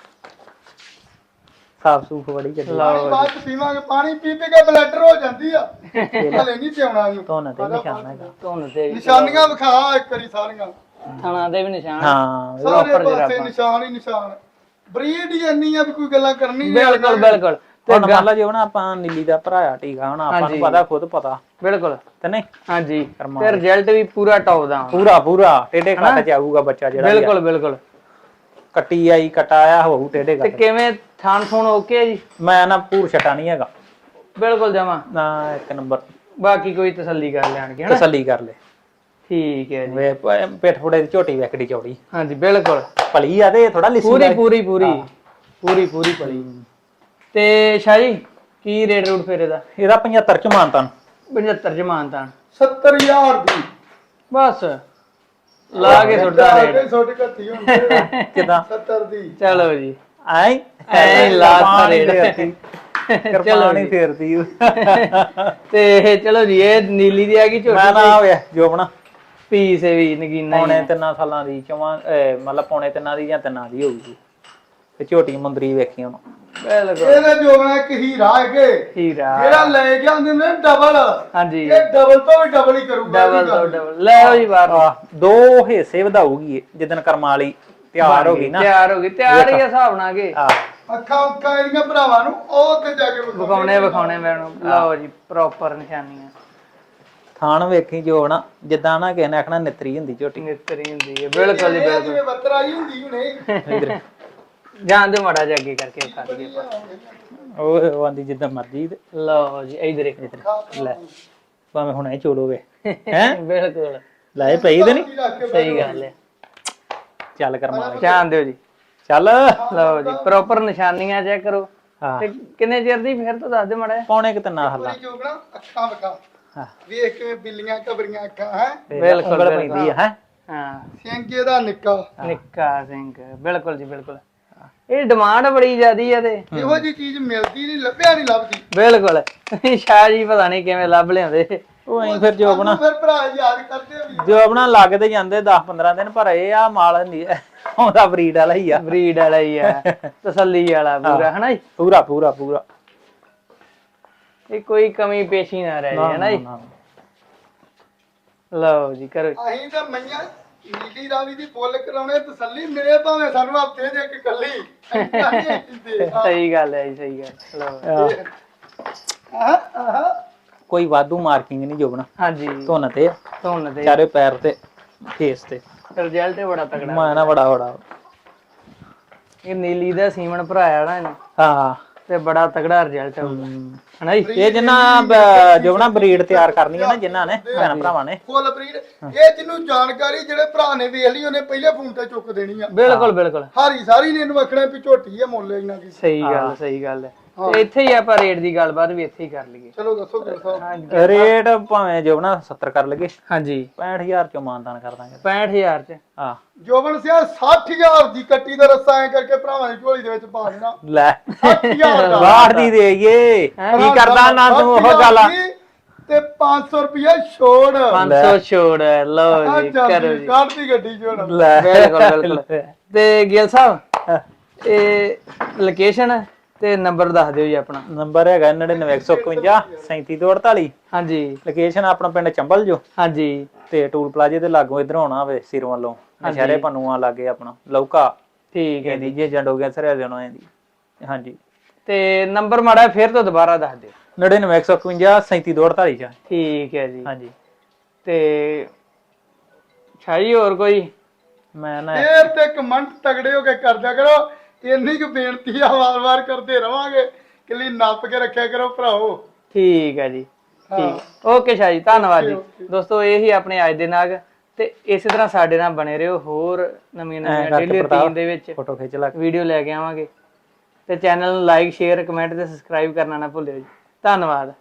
Speaker 2: ਸਾਫ ਸੂਫ ਬੜੀ ਚੱਲੀ
Speaker 3: ਪਾਣੀ ਬਾਅਦ ਚ ਪੀਵਾਂਗੇ ਪਾਣੀ ਪੀ ਪੀ ਕੇ ਬਲੈਡਰ ਹੋ ਜਾਂਦੀ ਆ ਹਲੇ ਨਹੀਂ ਪਿਆਉਣਾ ਇਹਨੂੰ
Speaker 2: ਤੋਂ ਨਾ ਤੇ ਨਿਸ਼ਾਨ ਹੈਗਾ
Speaker 1: ਧੁੰਨ ਤੇ
Speaker 3: ਨਿਸ਼ਾਨੀਆਂ ਵਿਖਾ ਇੱਕ ਵਾਰੀ ਸਾਰੀਆਂ
Speaker 1: ਥਣਾ ਦੇ ਵੀ ਨਿਸ਼ਾਨ
Speaker 2: ਹਾਂ
Speaker 3: ਸਾਰੇ ਪਾਸੇ ਨਿਸ਼ਾਨ ਹੀ ਨਿਸ਼ਾਨ ਬਰੀਡ ਹੀ ਇੰਨੀ ਆ ਵੀ ਕੋਈ ਗੱਲਾਂ ਕਰਨੀ ਨਹੀਂ
Speaker 1: ਬਿਲਕੁਲ ਬਿਲਕੁਲ
Speaker 2: ਤੇ ਮੰਨ ਲਾ ਜੇ ਹੁਣ ਆਪਾਂ ਨੀਲੀ ਦਾ ਭਰਾਇਆ ਟੀਕਾ ਹੁਣ ਆਪਾਂ ਨੂੰ ਪਤਾ ਖੁਦ ਪਤਾ
Speaker 1: ਬਿਲਕੁਲ
Speaker 2: ਤੇ ਨਹੀਂ
Speaker 1: ਹਾਂਜੀ ਤੇ ਰਿਜ਼ਲਟ ਵੀ ਪੂਰਾ ਟੌਪ ਦਾ
Speaker 2: ਪੂਰਾ ਪੂਰਾ ਟੇਡੇ ਕੱਟ ਚ ਆਊਗਾ ਬੱਚਾ ਜਿਹੜਾ
Speaker 1: ਬਿਲਕੁਲ ਬਿਲਕੁਲ
Speaker 2: ਕੱਟੀ ਆਈ ਕਟਾ ਆਇਆ ਹੋਊ ਟੇਡੇ
Speaker 1: ਤੇ
Speaker 2: ਕੱਟ
Speaker 1: ਕਿਵੇਂ ਥਾਣ ਥੂਣ ਓਕੇ ਜੀ
Speaker 2: ਮੈਂ ਨਾ ਪੂਰ ਛਟਾ ਨਹੀਂ ਹੈਗਾ
Speaker 1: ਬਿਲਕੁਲ ਜਮਾ
Speaker 2: ਨਾ ਇੱਕ ਨੰਬਰ
Speaker 1: ਬਾਕੀ ਕੋਈ ਤਸੱਲੀ ਕਰ ਲੈਣਗੇ ਹਨਾ
Speaker 2: ਤਸੱਲੀ ਕਰ ਲੈ
Speaker 1: ਠੀਕ ਹੈ ਜੀ
Speaker 2: ਵੇ ਪੇਟ ਫੋੜੇ ਦੀ ਝੋਟੀ ਵੈਕੜੀ ਚੌੜੀ
Speaker 1: ਹਾਂਜੀ ਬਿਲਕੁਲ
Speaker 2: ਭਲੀ ਆ ਤੇ ਥੋੜਾ ਲਿਸੀ
Speaker 1: ਪੂਰੀ ਪੂਰੀ ਪੂਰੀ ਪੂਰੀ ਪੂਰੀ ਪੜੀ ਤੇ ਸ਼ਾਹੀ ਕੀ ਰੇਟ ਰੂਟ ਫੇਰ ਇਹਦਾ
Speaker 2: ਇਹਦਾ ਪਝੱਤਰ ਚ ਮਾਨਤਾਨ
Speaker 1: ਪਝੱਤਰ ਚ ਮਾਨਤਾਨ
Speaker 3: ਸੱਤਰ ਹਜ਼ਾਰ ਦੀ
Speaker 1: ਬਸ ਲਾ ਕੇ ਸੁੱਟਦਾ ਰੇਟ
Speaker 3: ਛੋਟੀ ਕੱਤੀ ਹੁੰਦੀ
Speaker 2: ਕਿਦਾਂ
Speaker 3: ਸੱਤਰ ਦੀ
Speaker 1: ਚਲੋ ਜੀ
Speaker 2: ਐ
Speaker 1: ਐ ਲਾਸਟ ਰੇਟ
Speaker 2: ਕਿਰਪਾਨੀ ਫੇਰਦੀ
Speaker 1: ਤੇ ਚਲੋ ਜੀ ਇਹ ਨੀਲੀ ਦੀ ਆ ਗਈ ਝੋਟੀ
Speaker 2: ਮੈਂ ਨਾ ਹੋਇਆ ਜੋ ਬਣਾ
Speaker 1: ਪੀਸ ਵੀ ਨਗੀਨਾ ਹੀ
Speaker 2: ਪੌਣੇ ਤਿੰਨਾਂ ਸਾਲਾਂ ਦੀ ਚਵਾਂ ਮਤਲਬ ਪੌਣੇ ਤਿੰਨਾਂ ਦੀ ਜਾਂ ਤਿੰਨਾਂ ਦੀ ਹੋਊਗੀ ਤੇ ਝੋਟੀ ਮੁੰਦਰੀ ਵੇਖੀ ਹੁਣ
Speaker 1: ਬਿਲਕੁਲ
Speaker 3: ਇਹਦੇ ਜੋਗਣਾ ਇੱਕ ਹੀਰਾ ਹੈਗੇ
Speaker 1: ਹੀਰਾ
Speaker 3: ਜਿਹੜਾ ਲੈ ਕੇ ਆਉਂਦੇ ਨੇ ਡਬਲ
Speaker 1: ਹਾਂਜੀ
Speaker 3: ਇਹ ਡਬਲ ਤੋਂ ਵੀ ਡਬਲ ਹੀ ਕਰੂਗਾ
Speaker 1: ਡਬਲ ਤੋਂ ਡਬਲ ਲੈ ਆਓ ਜੀ ਬਾਹਰ
Speaker 2: ਦੋ ਹਿੱਸੇ ਵਧਾਊਗੀ ਜਿੱਦਣ ਕਰਮ ਵਾਲੀ ਤਿਆਰ ਹੋ ਗਈ ਨਾ
Speaker 1: ਤਿਆਰ ਹੋ ਗਈ ਤਿਆਰ ਹੀ ਹਿਸਾਬ ਨਾਲ ਕੇ
Speaker 3: ਅੱਖਾਂ ਉੱਖਾਂ ਇਹਦੀਆਂ ਭਰਾਵਾਂ ਨੂੰ ਉਹ ਤੇ ਜਾ ਕੇ
Speaker 1: ਵਿਖਾਉਣੇ ਵਿਖਾਉਣੇ ਮੈਨੂੰ ਲਓ ਜੀ ਪ੍ਰੋਪਰ ਨਿਸ਼ਾਨੀਆਂ
Speaker 2: ਥਾਣ ਵੇਖੀ ਜੋ ਨਾ ਜਿੱਦਾਂ ਨਾ ਕਿਸੇ ਨੇ ਆਖਣਾ ਨਿਤਰੀ ਹੁੰਦੀ ਝੋਟੀ
Speaker 1: ਨਿਤਰੀ ਹੁੰਦੀ ਹੈ ਬਿਲਕੁਲ ਜੀ ਬਿਲਕੁਲ
Speaker 3: ਜਿਵੇਂ ਬੱਤਰ ਆਈ ਹੁੰਦੀ ਹੁਣੇ
Speaker 1: ਜਾਂਦੇ ਮਾੜਾ ਜਿਹਾ ਅੱਗੇ ਕਰਕੇ ਖਾ ਲਈਏ
Speaker 2: ਉਹ ਆਂਦੀ ਜਿੱਦਾਂ ਮਰਜੀ
Speaker 1: ਲਓ ਜੀ ਇਧਰ ਇਧਰ
Speaker 2: ਲੈ ਭਾਵੇਂ ਹੁਣੇ ਚੋਲੋਵੇ ਹੈ
Speaker 1: ਬਿਲਕੁਲ
Speaker 2: ਲੈ ਪਈ ਤੇ ਨਹੀਂ
Speaker 1: ਸਹੀ ਗੱਲ ਹੈ
Speaker 2: ਚੱਲ ਕਰਮਾ
Speaker 1: ਧਿਆਨ ਦਿਓ ਜੀ
Speaker 2: ਚੱਲ
Speaker 1: ਲਓ ਜੀ ਪ੍ਰੋਪਰ ਨਿਸ਼ਾਨੀਆਂ ਚੈੱਕ ਕਰੋ
Speaker 2: ਹਾਂ
Speaker 1: ਤੇ ਕਿੰਨੇ ਚਿਰ ਦੀ ਫਿਰ ਤੋਂ ਦੱਸ ਦੇ ਮਾੜਾ
Speaker 2: ਪੌਣੇ ਕਿ ਤਿੰਨਾ ਹੱਲਾ
Speaker 3: ਜੋਗਣਾ ਅੱਖਾਂ ਵਿਖਾ
Speaker 2: ਹਾਂ
Speaker 3: ਵੇਖ ਕੇ ਬਿੱਲੀਆਂ ਕਬਰੀਆਂ ਅੱਖਾਂ ਹੈ
Speaker 2: ਬਿਲਕੁਲ ਪੈਂਦੀ ਹੈ
Speaker 1: ਹਾਂ
Speaker 3: ਸਿੰਘ ਇਹਦਾ ਨਿੱਕਾ
Speaker 1: ਨਿੱਕਾ ਸਿੰਘ ਬਿਲਕੁਲ ਜੀ ਬਿਲਕੁਲ ਇਹ ਡਿਮਾਂਡ ਬੜੀ ਜ਼ਿਆਦੀ ਹੈ ਤੇ
Speaker 3: ਇਹੋ ਜੀ ਚੀਜ਼ ਮਿਲਦੀ ਨਹੀਂ ਲੱਭਿਆ ਨਹੀਂ ਲੱਭਦੀ
Speaker 1: ਬਿਲਕੁਲ ਸ਼ਾਹ ਜੀ ਪਤਾ ਨਹੀਂ ਕਿਵੇਂ ਲੱਭ ਲਿਆਉਂਦੇ
Speaker 2: ਉਹ ਐਂ ਫਿਰ ਜੋ ਆਪਣਾ
Speaker 3: ਫਿਰ ਭਰਾ ਯਾਦ ਕਰਦੇ ਆ ਵੀ
Speaker 2: ਜੋ ਆਪਣਾ ਲੱਗਦੇ ਜਾਂਦੇ ਦਸ ਪੰਦਰਾਂ ਦਿਨ ਪਰ ਇਹ ਆ ਮਾਲ ਨਹੀਂ ਆਉਂਦਾ ਬਰੀਡ ਵਾਲਾ ਹੀ ਆ
Speaker 1: ਬਰੀਡ ਵਾਲਾ ਹੀ ਆ ਤਸੱਲੀ ਵਾਲਾ ਪੂਰਾ ਹਨਾ ਜੀ
Speaker 2: ਪੂਰਾ ਪੂਰਾ ਪੂਰਾ
Speaker 1: ਇਹ ਕੋਈ ਕਮੀ ਪੇਸ਼ੀ ਨਾ ਰਹਿ ਜਾਏ ਹਨਾ ਜੀ ਲਓ ਜੀ ਕਰੋ
Speaker 3: ਅਸੀਂ ਤਾਂ ਮਈਆਂ ਨੀਲੀ ਰਾਵੀ ਦੀ ਫੁੱਲ ਕਰਾਉਣੇ ਤਸੱਲੀ ਮਿਲੇ ਭਾਵੇਂ ਸਾਨੂੰ ਹਫਤੇ ਦੇ ਇੱਕ ਕੱਲੀ
Speaker 1: ਸਹੀ ਗੱਲ ਹੈ ਜੀ ਸਹੀ ਗੱਲ ਲਓ
Speaker 3: ਆਹ ਆਹ
Speaker 2: ਕੋਈ ਵਾਧੂ ਮਾਰਕਿੰਗ ਨਹੀਂ ਜੋਬਣਾ
Speaker 1: ਹਾਂਜੀ
Speaker 2: ਧੁੰਨ ਤੇ
Speaker 1: ਧੁੰਨ ਤੇ
Speaker 2: ਚਾਰੇ ਪੈਰ ਤੇ ਫੇਸ ਤੇ
Speaker 1: ਰਿਜ਼ਲਟ ਬੜਾ ਤਕੜਾ
Speaker 2: ਮੈਂ ਨਾ ਬੜਾ ਬੜਾ
Speaker 1: ਇਹ ਨੀਲੀ ਦਾ ਸੀਮਨ ਭਰਾਇਆ ਨਾ ਇਹਨੇ
Speaker 2: ਹਾਂ
Speaker 1: ਤੇ ਬੜਾ ਤਕੜਾ ਰਿਜ਼ਲਟ ਆਊਗਾ ਹਨਾ ਜੀ
Speaker 2: ਇਹ ਜਿੰਨਾ ਜੋਬਣਾ ਬਰੀਡ ਤਿਆਰ ਕਰਨੀ ਹੈ ਨਾ ਜਿਨ੍ਹਾਂ ਨੇ ਭੈਣ ਭਰਾਵਾਂ ਨੇ
Speaker 3: ਫੁੱਲ ਬਰੀਡ ਇਹ ਜਿਹਨੂੰ ਜਾਣਕਾਰੀ ਜਿਹੜੇ ਭਰਾ ਨੇ ਵੇਖ ਲਈ ਉਹਨੇ ਪਹਿਲੇ ਫੋਨ ਤੇ ਚੁੱਕ ਦੇਣੀ ਆ
Speaker 1: ਬਿਲਕੁਲ ਬਿਲਕੁਲ
Speaker 3: ਹਾਰੀ ਸਾਰੀ ਨੇ ਇਹਨੂੰ ਵਖਣਾ ਵੀ ਝੋਟੀ ਆ ਮੁੱਲ ਇਹਨਾਂ ਦੀ
Speaker 1: ਸਹੀ ਗੱਲ ਸਹੀ ਗੱਲ ਹੈ ਤੇ ਇੱਥੇ ਹੀ ਆਪਾਂ ਰੇਟ ਦੀ ਗੱਲਬਾਤ ਵੀ ਇੱਥੇ ਹੀ ਕਰ ਲਈਏ।
Speaker 3: ਚਲੋ ਦੱਸੋ ਗੁਰ ਸਾਹਿਬ
Speaker 2: ਰੇਟ ਭਾਵੇਂ ਜੋਬਣਾ ਸੱਤਰ ਕਰ ਲਗੇ
Speaker 1: ਹਾਂਜੀ
Speaker 2: ਪੈਂਹਠ ਹਜ਼ਾਰ ਚੋਂ ਮਾਨਦਾਨ ਕਰ ਦਾਂਗੇ।
Speaker 1: ਪੈਂਹਠ ਹਜ਼ਾਰ ਚ
Speaker 2: ਆ
Speaker 3: ਜੋਬਨ ਸਿਆ ਸੱਠ ਹਜ਼ਾਰ ਦੀ ਕੱਟੀ ਦਾ ਰੱਸਾ ਐ ਕਰਕੇ ਭਰਾਵਾਂ ਦੀ ਝੋਲੀ ਦੇ ਵਿੱਚ ਪਾ ਦੇਣਾ
Speaker 2: ਲੈ
Speaker 3: ਸੱਠ ਹਜ਼ਾਰ ਦਾ
Speaker 2: ਬਾਹਠ ਦੀ ਦੇਈਏ ਕੀ ਕਰਦਾ ਨਾ ਤੂੰ ਉਹ ਗੱਲ ਆ
Speaker 3: ਤੇ ਪੰਜ ਸੌ ਰੁਪਇਆ ਛੋੜ
Speaker 1: ਪੰਜ ਸੌ ਛੋੜ ਹੈ, ਲਓ ਜੀ ਕਰੋ ਜੀ
Speaker 3: ਕੱਢਦੀ ਗੱਡੀ ਛੋੜ
Speaker 2: ਲੈ
Speaker 1: ਬਿਲਕੁਲ ਬਿਲਕੁਲ। ਤੇ ਗਿੱਲ ਸਾਹਿਬ ਇਹ ਲੋਕੇਸ਼ਨ ਤੇ ਨੰਬਰ ਦੱਸ ਦਿਓ ਜੀ ਆਪਣਾ।
Speaker 2: ਨੰਬਰ ਹੈਗਾ ਨੜਿਨਵੇਂ ਇੱਕ ਸੌ ਇਕਵੰਜਾ ਸੈਂਤੀ ਦੋ ਅੜਤਾਲੀ।
Speaker 1: ਹਾਂਜੀ
Speaker 2: ਲੋਕੇਸ਼ਨ ਆਪਣਾ ਪਿੰਡ ਚੰਬਲ ਜੋ
Speaker 1: ਹਾਂਜੀ
Speaker 2: ਤੇ ਟੂਲ ਪਲਾਜ਼ੇ ਦੇ ਲਾਗੋਂ ਇਧਰੋਂ ਆਉਣਾ ਹੋਵੇ ਸਿਰ ਵੱਲੋਂ ਨਸ਼ਹਿਰੇ ਪਨੂਆ ਲਾਗੇ ਆਪਣਾ ਲੌਕਾ
Speaker 1: ਠੀਕ ਹੈ
Speaker 2: ਜੀ ਜੇ ਜੰਡੋ ਗਿਆ ਸਰਿਆ ਦੇਣਾ ਇਹਦੀ। ਹਾਂਜੀ
Speaker 1: ਤੇ ਨੰਬਰ ਮਾੜਾ ਫਿਰ ਤੋਂ ਦੁਬਾਰਾ ਦੱਸ ਦਿਓ।
Speaker 2: ਨੜਿਨਵੇਂ ਇੱਕ ਸੌ ਇਕਵੰਜਾ ਸੈਂਤੀ ਦੋ ਅੜਤਾਲੀ ਚ।
Speaker 1: ਠੀਕ ਹੈ ਜੀ।
Speaker 2: ਹਾਂਜੀ
Speaker 1: ਤੇ ਛਾਈ ਹੋਰ ਕੋਈ
Speaker 3: ਮੈਂ ਨਾ ਫੇਰ ਤੇ ਕਮੈਂਟ ਤਗੜੇ ਹੋ ਕੇ ਕਰਦਿਆ ਕਰੋ। ਇੰਨੀ ਕੁ ਬੇਨਤੀ ਆ ਵਾਰ-ਵਾਰ ਕਰਦੇ ਰਵਾਂਗੇ ਕਿਲੀ ਨੱਪ ਕੇ ਰੱਖਿਆ ਕਰੋ ਭਰਾਓ।
Speaker 1: ਠੀਕ ਹੈ ਜੀ ਠੀਕ ਓਕੇ ਸ਼ਾਹ ਜੀ ਧੰਨਵਾਦ ਜੀ। ਦੋਸਤੋ ਇਹ ਹੀ ਆਪਣੇ ਅੱਜ ਦੇ ਨਾਗ ਤੇ ਇਸੇ ਤਰ੍ਹਾਂ ਸਾਡੇ ਨਾਲ ਬਣੇ ਰਹੋ। ਹੋਰ ਨਵੀਆਂ ਨਵੀਆਂ ਡੇਲੀ ਰੂਟੀਨ ਦੇ ਵਿੱਚ
Speaker 2: ਫੋਟੋ ਖਿੱਚ ਲਾ
Speaker 1: ਵੀਡੀਓ ਲੈ ਕੇ ਆਵਾਂਗੇ ਤੇ ਚੈਨਲ ਨੂੰ ਲਾਈਕ ਸ਼ੇਅਰ ਕਮੈਂਟ ਤੇ ਸਬਸਕ੍ਰਾਈਬ ਕਰਨਾ ਨਾ ਭੁੱਲਿਓ ਜੀ। ਧੰਨਵਾਦ।